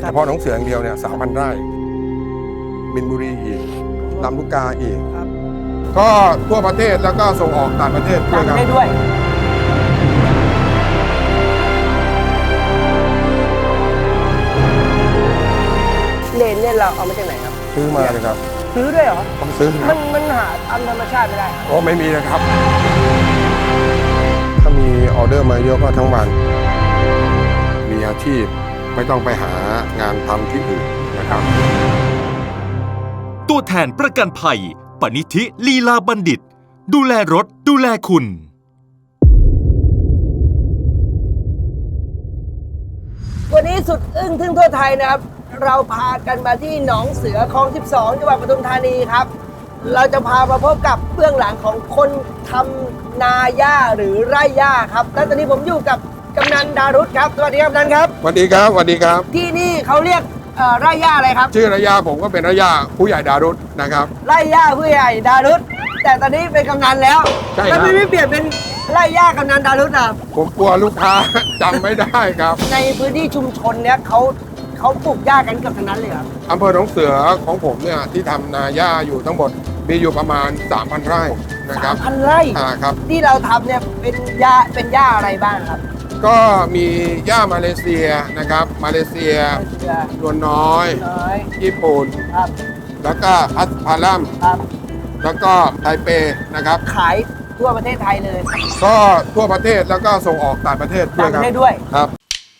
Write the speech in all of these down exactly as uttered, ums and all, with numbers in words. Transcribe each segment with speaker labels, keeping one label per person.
Speaker 1: ฉพาะหนองเสืออย่างเดียวเนี่ยสามพันไร่มินบุรีอีกลำลูกกาอีกก็ทั่วประเทศแล้วก็ส่งออกต่างประเทศด้วยครับ
Speaker 2: ได้ด้วยเลนเนี่ยเราเอามาจากไหนครับ
Speaker 1: ซื้อมาเลยครับ
Speaker 2: ซื้อด้วยเหรอ
Speaker 1: ผมซื้อ
Speaker 2: มันมันหาตามธรรมชาติไม่ได้
Speaker 1: โอ้ไม่มีนะครับถ้ามีออเดอร์มาเยอะก็ทั้งวันมีอาชีพไม่ต้องไปหางานทำที่อื่นนะครับ
Speaker 3: ตัวแทนประกันภัยปณิธิลีลาบัณฑิตดูแลรถดูแลคุณ
Speaker 2: วันนี้สุดอึ้งทึ่งทั่วไทยนะครับเราพากันมาที่หนองเสือคลองสิบสองจังหวัดปทุมธานีครับเราจะพามาพบกับเบื้องหลังของคนทำนาหญ้าหรือไร่หญ้าครับและตอนนี้ผมอยู่กับกำนันดารุษครับสวัสดีครับกำนันครับ
Speaker 1: สวัสดีครับสวัสดีครับ
Speaker 2: ที่นี่เขาเรียกไร่หญ้าอะไรครับ
Speaker 1: ชื่อไร่หญ้าผมก็เป็นไร่หญ้าผู้ใหญ่ดารุษนะครับ
Speaker 2: ไร่หญ้าผู้ใหญ่ดารุษแต่ตอนนี้เป็นกำนันแล้ว
Speaker 1: ใช่ครับ
Speaker 2: แล้วไม่เปลี่ยนเป็นไร่หญ้ากำนันดารุษอ่ะ
Speaker 1: ผมกลัวลูกค้าจำไม่ได้ครับ
Speaker 2: ในพื้นที่ชุมชนเนี้ยเขาเขาปลูกหญ้ากันเกือบทั้งนั้นเลยครับ
Speaker 1: อำเภอหนองเสือของผมเนี่ยที่ทำนาหญ้าอยู่ทั้งหมดมีอยู่ประมาณ สามพัน ไร่นะครับ
Speaker 2: สามพัน ไร่
Speaker 1: อ่าครับ
Speaker 2: ที่เราทำเนี่ยเป็นหญ้าเป็นหญ้าอะไรบ้างครับ
Speaker 1: ก็มีหญ้ามาเลเซียนะครับมาเลเซียนวลน้อยญี่ปุ่นครับแล้วก็อัสพารัมครับแล้วก็ไทเปนะครับ
Speaker 2: ขายทั่วประเทศไทยเลย
Speaker 1: ก็ทั่วประเทศแล้วก็ส่งออกต่างประเทศด้วยครับ
Speaker 2: ต่างประเทศด้วย
Speaker 1: ครับ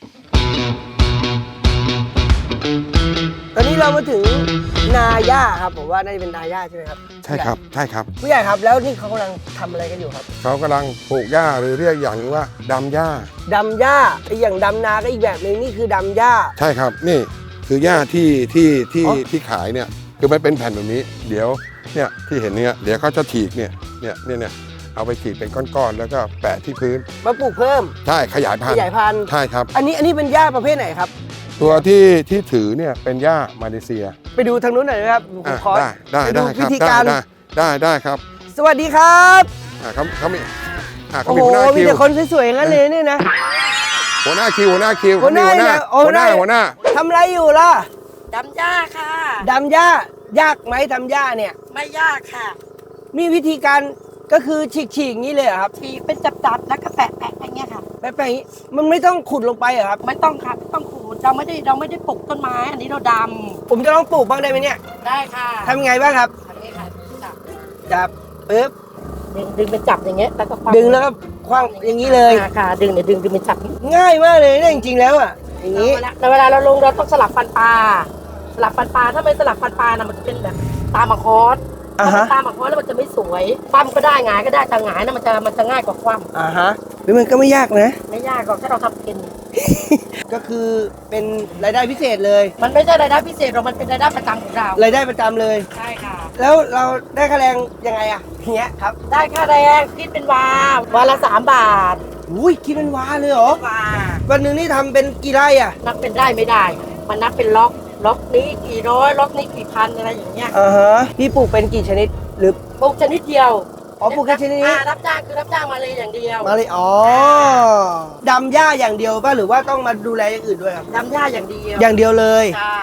Speaker 2: ตอนนี้เรามาถึงนาหญ้าครับผมว่าน่าจะเป็นนาหญ้าใช่ไหมครับ
Speaker 1: ใช่ครับใช่ครับ
Speaker 2: ผู้ใหญ่ครับแล้วนี่เขากำลังทำอะไรกันอยู่ครับ
Speaker 1: เขากำลังปลูกหญ้าหรือเรียกอย่างว่าดำหญ้า
Speaker 2: ดำหญ้าไอ้อย่างดำนาก็อีกแบบนึงนี่คือดำหญ้า
Speaker 1: ใช่ครับนี่คือหญ้าที่ที่ที่ที่ขายเนี่ยคือมันเป็นแผ่นแบบนี้เดี๋ยวเนี่ยที่เห็นเนี่ยเดี๋ยวเขาจะฉีกเนี่ยเนี่ยเนี่ยเนี่ยเอาไปฉีกเป็นก้อนๆแล้วก็แปะที่พื้น
Speaker 2: มาปลูกเพิ่ม
Speaker 1: ใช่ขยายพันธุ์
Speaker 2: ขยายพันธุ์
Speaker 1: ใช่ครับ
Speaker 2: อันนี้อันนี้เป็นหญ้าประเภทไหนครับ
Speaker 1: ตัวที่ที่ถือเนี่ยเป็นหญ้ามาเลเซีย
Speaker 2: ไปดูทางนู้นหน่อยนะครับ
Speaker 1: ขอได้ได้ได้ครับ
Speaker 2: วิธีการ
Speaker 1: ได้ได้ได้ครับ
Speaker 2: สวัสดีครับ
Speaker 1: อ่าเขาเขามีอ่าเขา
Speaker 2: มีหัวหน้าคิวมีแต่คนสวยๆอย่างนั้นเลยนี่นะ
Speaker 1: หัวหน้าคิวหัวหน้าคิว
Speaker 2: หัวหน้า
Speaker 1: หัวหน้าหัวหน้า
Speaker 2: ทำอะไรอยู่ล่ะ
Speaker 4: ดำหญ้าค่ะ
Speaker 2: ดำหญ้ายากไหมทำหญ้าเนี่ย
Speaker 4: ไม่ยากค่ะ
Speaker 2: มีวิธีการก็คือฉีกๆอย่างนี้เลยครับ
Speaker 4: ฉีกเป็นจับๆแล้วก็แปะๆอย่างเงี้ยค่ะ
Speaker 2: แปะๆอย่างนี้มันไม่ต้องขุดลงไปเหรอครับ
Speaker 4: ไม่ต้องค่ะไม่ต้องขุดเราไม่ได้เราไม่ได้ปลูกต้นไม้อันนี้เราดำ
Speaker 2: ผมจะลองปลูกบ้างได้ไหมเนี่ย
Speaker 4: ได้ค่ะ
Speaker 2: ทำยังไงบ้างครับ
Speaker 4: ทำนี้ค่ะจับ
Speaker 2: จับปึ๊บ
Speaker 4: ดึงดึงเป็นจับอย่างเงี้ยแล้วก็
Speaker 2: ดึงแล้วก็คว้างอย่างนี้เลย
Speaker 4: ค่ะดึงเนี่ยดึงดึงเป็นจับ
Speaker 2: ง่ายมากเลยเนี่ยจริงๆแล้วอ่ะอย่างนี้
Speaker 4: แต่เวลาเราลงเราต้องสลับฟันปลาสลับฟันปลาถ้าไม่สลับฟันปลานะมันจะเป็นแบบตามมาคอสตามมาคอสแล้วมันจะไม่สวยคว่ำก็ได้หงายก็ได้แต่หงายนะมันจะมันจะง่ายกว่าคว่ำ
Speaker 2: อ่าฮะแล้วมันก็ไม่ยากนะ
Speaker 4: ไม่ยากหรอกถ้าเราทำเป็น
Speaker 2: ก็คือเป็นรายได้พิเศษเลย
Speaker 4: มันไม่ใช่รายได้พิเศษหรอกมันเป็นรายได้ประจำของเรา
Speaker 2: รายได้ประจำเลย
Speaker 4: ใช่ค่ะ
Speaker 2: แล้วเราได้ค่าแรงยังไงอะเนี้ยครับ
Speaker 4: ได้ค่าแรงคิดเป็นวาวาละสามบาท
Speaker 2: อุ้ยคิดเป็นวาเลยเหรอ
Speaker 4: วา
Speaker 2: วันหนึ่งนี่ทำเป็นกี่ไร่อะ
Speaker 4: นับเป็นไร่ไม่ได้มันนับเป็นล็อกล็อกนี้กี่ร้อยล็อกนี้กี่พันอะไรอย่างเงี้ย
Speaker 2: อ่าฮะพี่ปลูกเป็นกี่ชนิดหรือ
Speaker 4: ปลูกชนิดเดียว
Speaker 2: อ๋อปลูกแค่ชนิดนี้
Speaker 4: รับจ้างคือรับจ้างมาเลยอย่างเดียว
Speaker 2: มาเลยอ๋อดำหญ้าอย่างเดียวป่ะหรือว่าต้องมาดูแลอย่างอื่นด้วยครับ
Speaker 4: ดำหญ้าอย่างเดียว
Speaker 2: อย่างเดียวเลย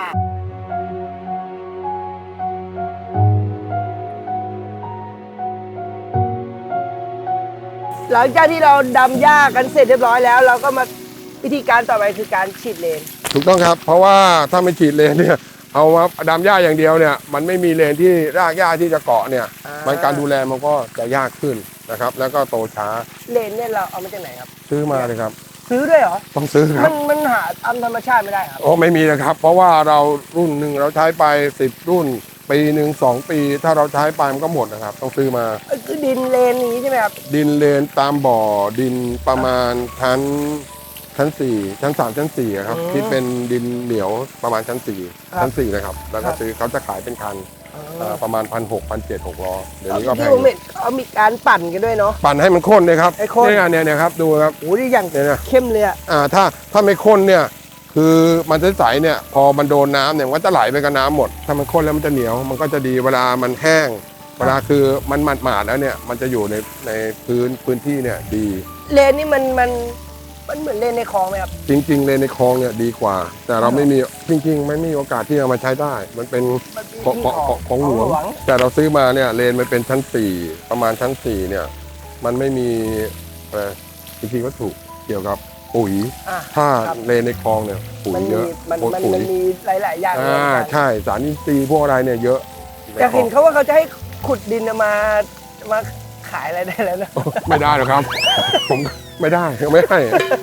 Speaker 2: หลังจากที่เราดำหญ้ากันเสร็จเรียบร้อยแล้วเราก็มาวิธีการต่อไปคือการฉีดเลน
Speaker 1: ถูกต้องครับเพราะว่าถ้าไม่ฉีดเลนเนี่ยเอามาดำหญ้าอย่างเดียวเนี่ยมันไม่มีเลนที่รากหญ้าที่จะเกาะเนี่ยมันการดูแลมันก็จะยากขึ้นนะครับแล้วก็โตช้า
Speaker 2: เลนเนี่ยเราเอามาจากไหนครับ
Speaker 1: ซื้อมาเลยครับ
Speaker 2: ซื้อด้วยเหรอ
Speaker 1: ต้องซื้อครับ
Speaker 2: มันมันหาตามธรรมชาติไม่ได้ครับ
Speaker 1: โอ้ไม่มีนะครับเพราะว่าเรารุ่นหนึ่งเราใช้ไปสิบรุ่นปีหนึ่งสองปีถ้าเราใช้ไปมันก็หมดนะครับต้องซื้อมา
Speaker 2: คือดินเลนนี้ใช่ไหมครับ
Speaker 1: ดินเลนตามบ่อดินประมาณชั้นชั้นสี่ชั้นสามชั้นสี่ครับที่เป็นดินเหนียวประมาณชั้นสี่ชั้นสี่นะครับแล้วก็ซื้อเขาจะขายเป็นคันประมาณพันหกพันเจ็ดหกล้อเดี๋ยวนี้ก็แพง
Speaker 2: เขามีการปั่นกันด้วยเนาะ
Speaker 1: ปั่นให้มันข้นเลยครับเนี่ยเนี่ยเนี่ยครับดูครับ
Speaker 2: โอ้ยอย่างเข้มเลย
Speaker 1: อ่าถ้าถ้าไม่ข้นเนี่ยคือมันใสๆเนี่ยพอมันโดนน้ำเนี่ยมันก็จะไหลไปกับน้ำหมดถ้ามันข้นแล้วมันจะเหนียวมันก็จะดีเวลามันแห้งเวลาคือมันหมาดๆแล้วเนี่ยมันจะอยู่ในในพื้นพื้นที่เนี่ยดี
Speaker 2: เลนนี่มันมันมันเหมือนเลนในคลองไหมครับ
Speaker 1: จริง ๆ เลนในคลองเนี่ยดีกว่า แต่เราไม่มีจริง ๆ ไม่มีโอกาสที่จะมาใช้ได้ มันเป็น
Speaker 2: มันเป็น
Speaker 1: ของ
Speaker 2: ที่
Speaker 1: ของ
Speaker 2: ของ
Speaker 1: ของหลวง
Speaker 2: ของหลวง
Speaker 1: แต่เราซื้อมาเนี่ยเลนมันเป็นชั้นสี่ประมาณชั้นสี่เนี่ยมันไม่มีเอ่อจริงๆก็ถูกเกี่ยวกับปุ๋ย
Speaker 2: อ่ะ
Speaker 1: ถ้า
Speaker 2: ครับ
Speaker 1: เลนในคลองเนี่ยปุ๋ย
Speaker 2: มัน
Speaker 1: เย
Speaker 2: มี
Speaker 1: อะ
Speaker 2: มันมัน
Speaker 1: ปุ๋
Speaker 2: มั
Speaker 1: ย
Speaker 2: นมีหลายๆอย่างรว
Speaker 1: อ่าม
Speaker 2: กัน
Speaker 1: ใช่สารอินทรีย์พวกอะไรเนี่ยเยอะ
Speaker 2: อยากเห็นเขาว่าเขาจะให้ขุดดินมามาขายอะไรได้แล้วนะ
Speaker 1: ไม่ได้หรอกครับ ผมไม่ได้ไม่ให้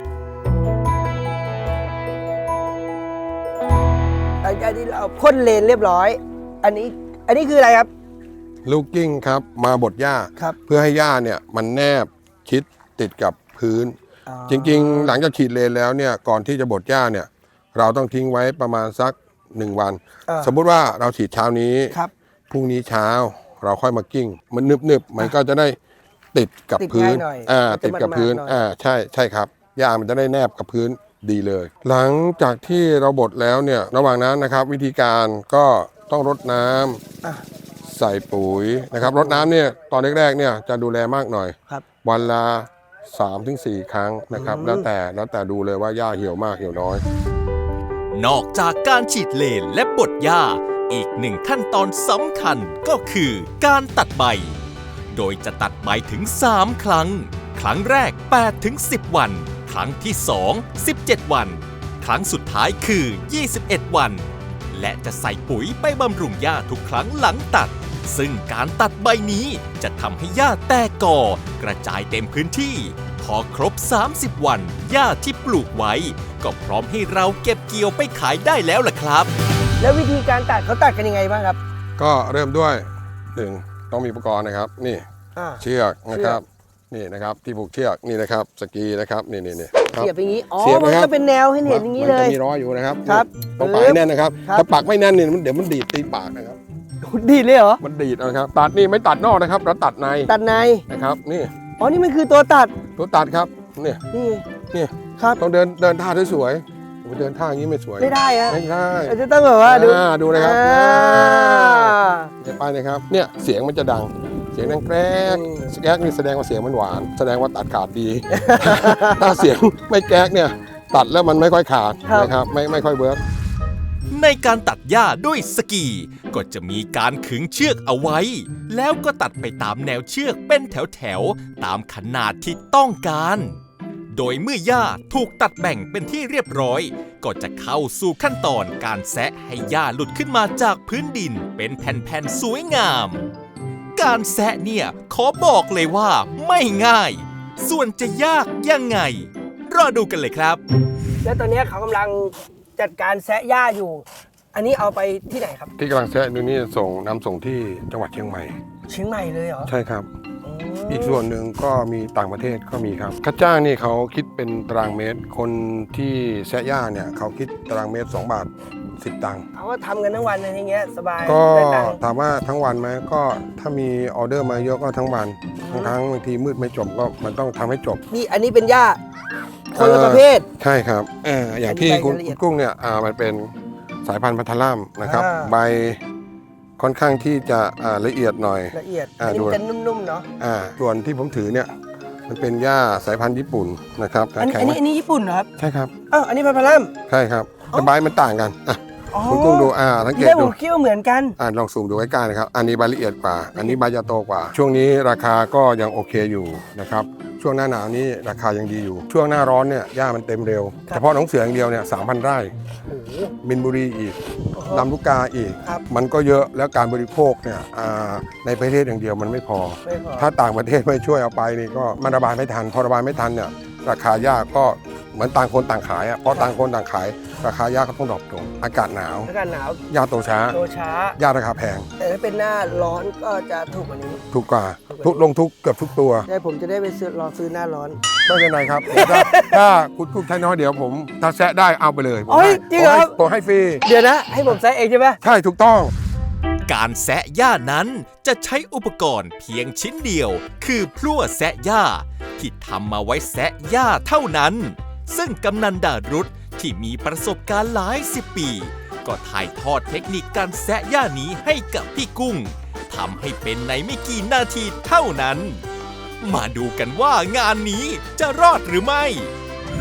Speaker 2: หลังจากที่เราพ่นเลนเรียบร้อย อันนี้อันนี้คืออะไรครับ
Speaker 1: ลูกกิ้งครับมาบดหญ้า
Speaker 2: ครับ
Speaker 1: เพื่อให้หญ้าเนี่ยมันแนบชิดติดกับพื้น
Speaker 2: อ๋อ
Speaker 1: จริงๆ หลังจากฉีดเลนแล้วเนี่ยก่อนที่จะบดหญ้าเนี่ยเราต้องทิ้งไว้ประมาณสักหนึ่งวัน
Speaker 2: อ่า
Speaker 1: สมมุติว่าเราฉีดเช้านี้
Speaker 2: ครับ
Speaker 1: พรุ่งนี้เช้าเราค่อยมากิ้ง มันนึบๆมันก็จะได้ติดกับ
Speaker 2: ติด
Speaker 1: พื้น
Speaker 2: ง่ายหน่อย
Speaker 1: อ่า
Speaker 2: มันจะ
Speaker 1: ติดกับพื้น
Speaker 2: มันๆหน่อย
Speaker 1: อ่าใช่ใช่ครับหญ้ามันจะได้แนบกับพื้นดีเลย หลังจากที่เราบดแล้วเนี่ยระหว่างนั้นนะครับ วิธีการก็ต้องรดน้ำ
Speaker 2: อ่ะ
Speaker 1: ใส่ปุ๋ยนะครับรดน้ำเนี่ยตอนแรกๆเนี่ยจะดูแลมากหน่อย
Speaker 2: ครับ
Speaker 1: วันละสามถึงสี่ครั้งนะครับ
Speaker 2: อืม
Speaker 1: แล้วแต่แล้วแต่ดูเลยว่าหญ้าเหี่ยวมากเหี่ยวน้อย
Speaker 3: นอกจากการฉีดเลนและบดหญ้า อีกหนึ่งขั้นตอนสำคัญก็คือการตัดใบ โดยจะตัดใบถึงสามครั้ง ครั้งแรกแปดถึงสิบวัน ครั้งที่สอง สิบเจ็ดวัน ครั้งสุดท้ายคือยี่สิบเอ็ดวัน และจะใส่ปุ๋ยไปบำรุงหญ้าทุกครั้งหลังตัด ซึ่งการตัดใบนี้จะทำให้หญ้าแตกกอกระจายเต็มพื้นที่ พอครบ สามสิบ วันหญ้าที่ปลูกไว้ ก็พร้อมให้เราเก็บเกี่ยวไปขายได้แล้วล่ะครับ
Speaker 2: แล้ววิธีการตัดเขาตัดกันยังไงบ้างครับ
Speaker 1: ก็เริ่มด้วยหนึ่งต้องมีอุปกรณ์นะครับ นี่
Speaker 2: อ่า
Speaker 1: เชือกนะครับ นี่นะครับที่ผูกเชือกนี่นะครับสกีนะครับนี่นี่นี่ครับ
Speaker 2: เสียบอย่างนี้ อ๋อ
Speaker 1: เสียบ
Speaker 2: มัน
Speaker 1: นะครับ
Speaker 2: ก็เป็นแนวให้เห็นอย่างนี้เลย
Speaker 1: มันจะมีร้อยอยู่นะครับ
Speaker 2: ครับ
Speaker 1: ต้องปักให้แน่นนะครับ
Speaker 2: ครับ
Speaker 1: ถ้าปักไม่แน่นเนี่ยมันเดี๋ยวมันดีดตีปากนะครับ
Speaker 2: ดีเลยเหรอ
Speaker 1: มันดีดนะครับ ตัดนี่ไม่ตัดนอกนะครับ เราตัดใน
Speaker 2: ตัดใน
Speaker 1: นะครับ นี่
Speaker 2: อ๋อ นี่มันคือตัวตัด
Speaker 1: ตัวตัดครับนี่
Speaker 2: นี่
Speaker 1: นี่
Speaker 2: ครับ
Speaker 1: ต้องเดินเดินท่าสวยๆผมเดินท่าอย่างนี้ไม่สวย
Speaker 2: ไม่ได้อะ
Speaker 1: ไม่ได้
Speaker 2: เราจะต้องแบบว่าดู
Speaker 1: อ่าดูนะครับ
Speaker 2: อ่า
Speaker 1: เดี๋ยวไปนะครับ เนี่ยเสียงมันจะดัง เสียงดังแกรก
Speaker 2: อืม
Speaker 1: แกรกนี่แสดงว่าเสียงมันหวาน แสดงว่าตัดขาดดี ถ้าเสียงไม่แกรกเนี่ย ตัดแล้วมันไม่ค่อยขาดนะครับ ไม่ไม่ค่อยเวิร์ก
Speaker 3: ในการตัดหญ้าด้วยสกี ก็จะมีการขึงเชือกเอาไว้ แล้วก็ตัดไปตามแนวเชือกเป็นแถวๆตามขนาดที่ต้องการ โดยเมื่อหญ้าถูกตัดแบ่งเป็นที่เรียบร้อย ก็จะเข้าสู่ขั้นตอนการแซะให้หญ้าหลุดขึ้นมาจากพื้นดินเป็นแผ่นๆสวยงาม การแซะเนี่ยขอบอกเลยว่าไม่ง่าย ส่วนจะยากยังไง รอดูกันเลยครับ
Speaker 2: แล้วตอนนี้เขากำลังจัดการแซะหญ้าอยู่ อันนี้เอาไปที่ไหนครับ
Speaker 1: ที่กำลังแซะดูนี่ส่งนำส่งที่จังหวัดเชียงใหม่
Speaker 2: เชียงใหม่เลยเหรอ
Speaker 1: ใช่ครับ
Speaker 2: อืม
Speaker 1: อีกส่วนหนึ่งก็มีต่างประเทศก็มีครับค่าจ้างนี่เขาคิดเป็นตารางเมตร คนที่แซะหญ้าเนี่ยเขาคิดตารางเมตรสองบาทสิบตังค์
Speaker 2: เขาก็ทำกันทั้งวันอะไรอย่างเงี้ยสบาย
Speaker 1: ก็
Speaker 2: ได้ตังค์
Speaker 1: ถามว่าทั้งวันไหมก็ถ้ามีออเดอร์มาเยอะก็ทั้งวันบางครั้งบางทีมืดไม่จบก็มันต้องทำให้จบ
Speaker 2: นี่อันนี้เป็นหญ้าคนละประเภท
Speaker 1: ใช่ครับเอ่ออย่างที่
Speaker 2: อธิบาย
Speaker 1: คุณ
Speaker 2: รายละเอียด
Speaker 1: กุ้งเนี่ยอ่ามันเป็นสายพันธุ์พัทลัมนะครับ
Speaker 2: อ่า
Speaker 1: ใบค่อนข้างที่จะอ่าละเอียดหน่อย
Speaker 2: ละเอียด
Speaker 1: อ่า
Speaker 2: อันนี้
Speaker 1: ดู
Speaker 2: มันจะนุ่มๆเนาะ
Speaker 1: อ่าส่วนที่ผมถือเนี่ยมันเป็นหญ้าสายพันธุ์ญี่ปุ่นนะครับ
Speaker 2: อันนี้
Speaker 1: แข็
Speaker 2: อั
Speaker 1: ง
Speaker 2: น
Speaker 1: ไหม
Speaker 2: นี้อันนี้ญี่ปุ่นเหรอครับ
Speaker 1: ใช่ครับ
Speaker 2: อ้าวอันนี้พันพลัม
Speaker 1: ใช่ครับ
Speaker 2: อ๋อ
Speaker 1: แต่ใบมันต่างกันอ่ะ
Speaker 2: อ๋อ
Speaker 1: คุณกุ้งดูอ่าสังเก
Speaker 2: ที่
Speaker 1: ต
Speaker 2: แรกผ
Speaker 1: ดู
Speaker 2: มคิดว่าเหมือนกัน
Speaker 1: อ่าลองซูมดูใกล้ๆนะครับ อันนี้ใบละเอียดกว่า อันนี้ใบจะโตกว่า ช่วงนี้ราคาก็ยังโอเคอยู่นะครับ ช่วงหน้าหนาวนี้ราคายังดีอยู่ ช่วงหน้าร้อนเนี่ยหญ้ามันเต็มเร็ว
Speaker 2: ครับ
Speaker 1: เฉพาะหนองเสืออย่างเดียวเนี่ยสามพันไร่
Speaker 2: โอ้โห
Speaker 1: มินบุรีอีก
Speaker 2: โอ้โห
Speaker 1: ลำลูกกาอีก
Speaker 2: ครับ
Speaker 1: มันก็เยอะแล้วการบริโภคเนี่ยอ่าในประเทศอย่างเดียวมันไม่พอ
Speaker 2: ไม่พอ
Speaker 1: ถ้าต่างประเทศไม่ช่วยเอาไปนี่ก็มันระบายไม่ทัน พอระบายไม่ทันเนี่ยราคาหญ้าก็เหมือนต่างคนต่างขายอ่ะพอต่างคนต่างขาย ราคาหญ้าก็ต้องดรอปลงอากาศหนาว
Speaker 2: อากาศหนาว
Speaker 1: หญ้าโตช้า
Speaker 2: โตช้า
Speaker 1: หญ้าราคาแพง
Speaker 2: แต่ถ้าเป็นหน้าร้อนก็จะถูกกว่านี้
Speaker 1: ถูกกว่าทุกลงทุกเกือบทุกตัว
Speaker 2: ได้ผมจะได้ไปซื้อรอซื้อหน้าร้อน
Speaker 1: ไม่เป็นไรครับผมถ้าถ้าคุณกุ้งใช้น้อยเดี๋ยวผมถ้าแซะได้เอาไปเลยผม
Speaker 2: โอ้ย
Speaker 1: ให้
Speaker 2: จริงเหรอ
Speaker 1: ผมให้ฟรี
Speaker 2: เดี๋ยวนะ ให้ผมแซะเองใช่ไหม
Speaker 1: ใช่ถูกต้อง
Speaker 3: การแซะหญ้านั้นจะใช้อุปกรณ์เพียงชิ้นเดียว คือพลั่วแซะหญ้าที่ทำมาไว้แซะหญ้าเท่านั้น ซึ่งกำนันดารุธที่มีประสบการณ์หลายสิบปี ก็ถ่ายทอดเทคนิคการแซะหญ้านี้ให้กับพี่กุ้งทำให้เป็นในไม่กี่นาทีเท่านั้น มาดูกันว่างานนี้จะรอดหรือไม่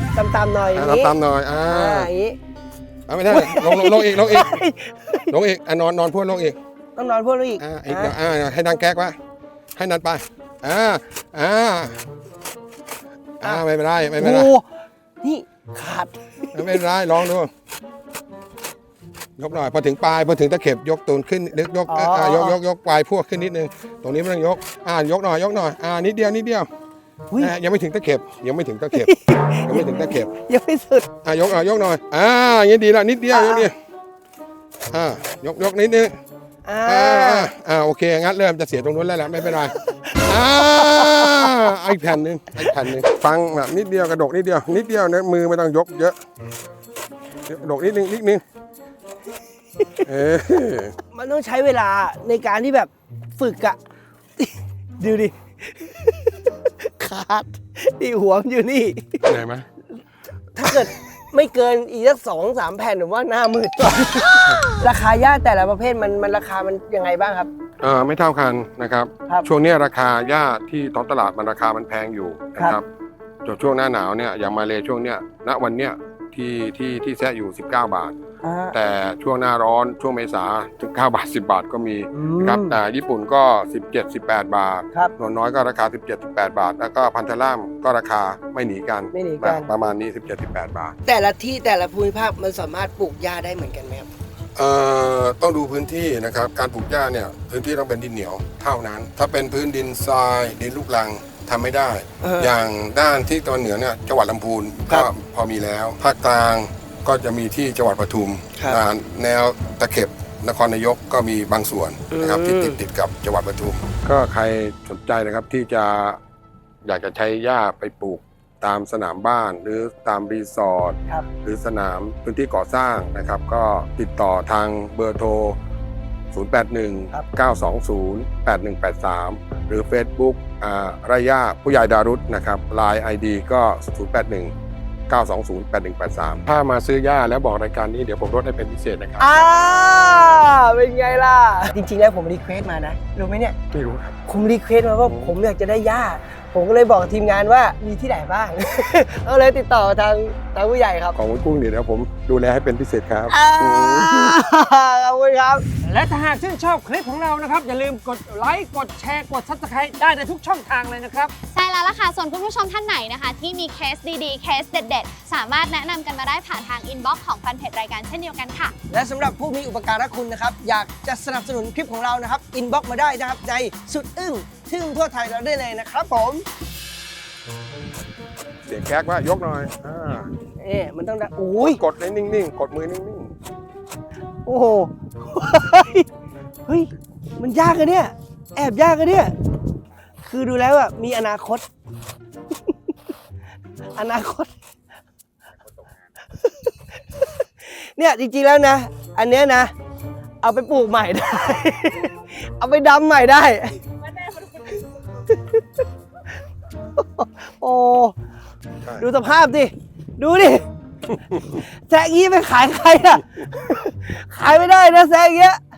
Speaker 2: ต่ำๆหน่อยอ
Speaker 1: อ่า
Speaker 2: ย่างนี้
Speaker 1: ตามๆหน่อยอ่า
Speaker 2: อ่าอย่างนี้
Speaker 1: อ่าไม่ได้ลงลงลงอีกลงอีกลงอีกอ่ะนอนนอนพูดลงอีก
Speaker 2: ต้องนอนพูดอีก
Speaker 1: อ่าอีกเดี๋ยวอ่าให้นางแก๊กวะให้นันไปอ่าอ่าอ่าไม่เป็นไรไม่เป็นไร
Speaker 2: โอ้นี่ขาด
Speaker 1: ไม่เป็นไรลองดูยกหน่อยพอถึงปลายพอถึงตะเข็บยกตูนขึ้นยกยกเอ่ออ่ายกยกยกปลายพวกขึ้นนิดนึงตรงนี้ไม่ต้องยกอ่ายกหน่อยยกหน่อยอ่านิดเดียวนิดเดียว
Speaker 2: อุ๊ย
Speaker 1: อ่ายังไม่ถึงตะเข็บยังไม่ถึงตะเข็บยังไม่ถึงตะเข็บ
Speaker 2: ยังไม่สุด
Speaker 1: อ่ายกหน่อยยกหน่อยอ่าอย่างนี้ดีแล้วนิดเดียวยกเดียวอ่ายกยกนิดนึง
Speaker 2: อ่า
Speaker 1: อ่าอ่าอ่าโอเคงั้นเริ่มจะเสียตรงนู้นแล้วแหละไม่เป็นไรอ่าอีกแผ่นหนึ่งอีกแผ่นหนึ่งฟังแบบนิดเดียวกระดกนิดเดียวนิดเดียวนะมือไม่ต้องยกเยอะกระดกนิดนึงนิดนึงเออ
Speaker 2: มันต้องใช้เวลาในการที่แบบฝึกอะดูดิ ขาดนี่หัวมันอยู่นี่
Speaker 1: ไหนไหม
Speaker 2: ถ้าเกิดไม่เกินอีกสักสองสามแผ่นผมว่าหน้ามืดก่อน ราคาหญ้าแต่ละประเภทมันมันราคามันยังไงบ้างครับ
Speaker 1: เออไม่เท่ากันนะครับ
Speaker 2: ครับ
Speaker 1: ช่วงเนี้ยราคาหญ้าที่ท้องตลาดมันราคามันแพงอยู่นะค
Speaker 2: ครั
Speaker 1: รับบ จนช่วงหน้าหนาวเนี่ยอย่างมาเลยช่วงเนี้ยณวันเนี้ยที่ที่ที่แซะอยู่สิบเก้าบาท
Speaker 2: อ่า
Speaker 1: แต่ช่วงหน้าร้อนช่วงเมษาถึงเก้าบาทสิบบาทก็มี
Speaker 2: อืม
Speaker 1: นะครับแต่ญี่ปุ่นก็สิบเจ็ด สิบแปดบาท
Speaker 2: ครับ
Speaker 1: นวลน้อยก็ราคาสิบเจ็ด สิบแปดบาท แล้วก็พันธล่ามก็ราคาไม่หนีกัน
Speaker 2: ไม่หนีกัน
Speaker 1: ประมาณนี้สิบเจ็ด สิบแปดบาท
Speaker 2: แต่ละที่แต่ละภูมิภาคมันสามารถปลูกหญ้าได้เหมือนกันไหมครับ
Speaker 1: เอ่อต้องดูพื้นที่นะครับการปลูกหญ้าเนี่ยพื้นที่ต้องเป็นดินเหนียวเท่านั้น ถ้าเป็นพื้นดินทรายดินลูกรังทำไม่ได้
Speaker 2: เออ
Speaker 1: อ
Speaker 2: อย่าง
Speaker 1: ด้านที่ตะวันเหนือเนี่ยจังหวัดลำพูน
Speaker 2: ครั
Speaker 1: ก็
Speaker 2: บ
Speaker 1: พอมีแล้วภาคกลางก็จะมีที่จังหวัดปทุม
Speaker 2: ครับ
Speaker 1: อ่าแนวตะเข็บนครนายกก็มีบางส่วนนะครับ
Speaker 2: อืม
Speaker 1: ที่ติดติดกับจังหวัดปทุม ก็ใครสนใจนะครับที่จะอยากจะใช้หญ้าไปปลูกตามสนามบ้านหรือตามรีสอร์ท
Speaker 2: ครับ
Speaker 1: หรือสนามพื้นที่ก่อสร้างนะครับ ก็ติดต่อทางเบอร์โทร ศูนย์ แปด หนึ่ง เก้า สอง ศูนย์ แปด หนึ่ง แปด สาม หรือ Facebook อ่าไรย่าผู้ใหญ่ดารุษนะครับ ไลน์ ไอ ดี ก็ ศูนย์ แปด หนึ่ง เก้า สอง ศูนย์ แปด หนึ่ง แปด สาม ถ้ามาซื้อหญ้าแล้วบอกรายการนี้เดี๋ยวผมลดให้เป็นพิเศษนะครับ
Speaker 2: อ่าเป็นไงล่ะ จริงๆแล้วผมรีเควสต์มานะรู้ไหมเนี่ย
Speaker 1: ไม่รู้ครับ
Speaker 2: ผมรีเควสต์มาว่าผมอยากจะได้หญ้าผมก็เลยบอกทีมงานว่ามีที่ไหนบ้าง ก็เลยติดต่อทางทางผู้ใหญ่ครับ
Speaker 1: ของคุณกุ้งเดี๋ยวผมดูแลให้เป็นพิเศษครับ
Speaker 2: อ่าขอบคุณครับ
Speaker 5: และถ้าหากชื่นชอบคลิปของเรานะครับ อย่าลืมกดไลค์กดแชร์กด ซับสไครบ์ได้ในทุกช่องทางเลยนะครับ
Speaker 6: ใช่แล้วล่ะค่ะ ส่วนคุณผู้ชมท่านไหนนะคะ ที่มีเคสดีๆ เคสเด็ดๆ สามารถแนะนำกันมาได้ผ่านทางอินบ็อกซ์ของแฟนเพจรายการเช่นเดียวกันค่ะ
Speaker 2: และสำหรับผู้มีอุปการะคุณนะครับ อยากจะสนับสนุนคลิปของเรานะครับอินบ็อกมาได้นะครับในสุดอึ้งทึ่งทั่วไทยเราได้เลยนะครับผม
Speaker 1: เสียงแก๊กว่ายกหน่อยอ่า
Speaker 2: เอ๊ะมันต้องได้โอ้ย
Speaker 1: กดให้นิ่งๆ กดมือนิ่ง
Speaker 2: โอ้โหเฮ้ยเฮ้ยมันยากอะเนี่ยแอบยากอะเนี่ยคือดูแล้วอะมีอนาคต อนาคต เนี่ยจริงๆแล้วนะ อันเนี้ยนะ เอาไปปลูกใหม่ได้ เอาไปดำใหม่ได้ โอ้
Speaker 1: ๆใช่
Speaker 2: ดูสภาพดิ ดูดิ แซะงี้ไปขายใครอะ ขายไม่ได้นะแซะอย่างเงี้ย